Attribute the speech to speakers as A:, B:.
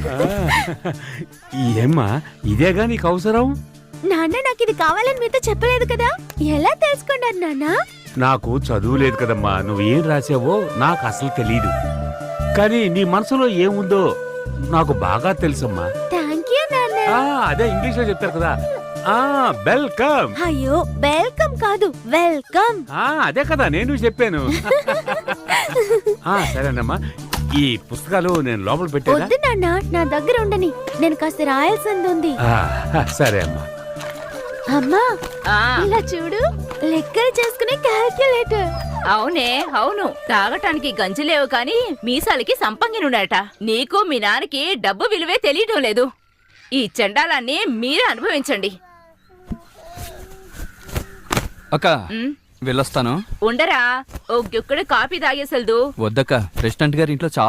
A: ఏమ్మా ఇదేగా నీకు అవసరం?
B: నాన్న నాకు ఇది కావాలని మీతో చెప్పలేదు కదా, ఎలా తెలుసుకున్నారు నాన్న?
A: నాకు చదువు లేదు కదమ్మా, నువ్వేం రాసావో నాకు అసలు తెలీదు. కానీ నీ మనసులో ఏముందో నాకు బాగా తెలుసమ్మా.
B: థ్యాంక్ యూ నాన్న.
A: అదే ఇంగ్లీష్ లో చెప్తారు కదా, వెల్కమ్.
B: అయ్యో వెల్కమ్ కాదు, వెల్కమ్.
A: అదే కదా నేను చెప్పాను. సరేనమ్మా, ఈ పుస్తకాలు నేను లోపల పెట్టాను.
B: వద్దు నాన్న, నా దగ్గర ఉండని, నేను కాస్త రాయాల్సింది ఉంది.
A: సరే అమ్మా.
B: అమ్మా ఇలా చూడు, లెక్కలు చేసుకునే క్యాల్కులేటర్.
C: అవునే అవును, తాగటానికి గంజిలేవు కాని మీసాలకి సంపంగినుడట. నీకు మీ నాన్నకి డబ్బు విలువే తెలియటం లేదు. ఈ చండాలాన్ని మీరే అనుభవించండి.
D: అక్క వెళ్ళొస్తాను.
C: ఉండరా, ఓ గుక్కడు కాఫీ తాగేసెల్దు.
D: వద్దక్క, ప్రెసిడెంట్ గారి ఇంట్లో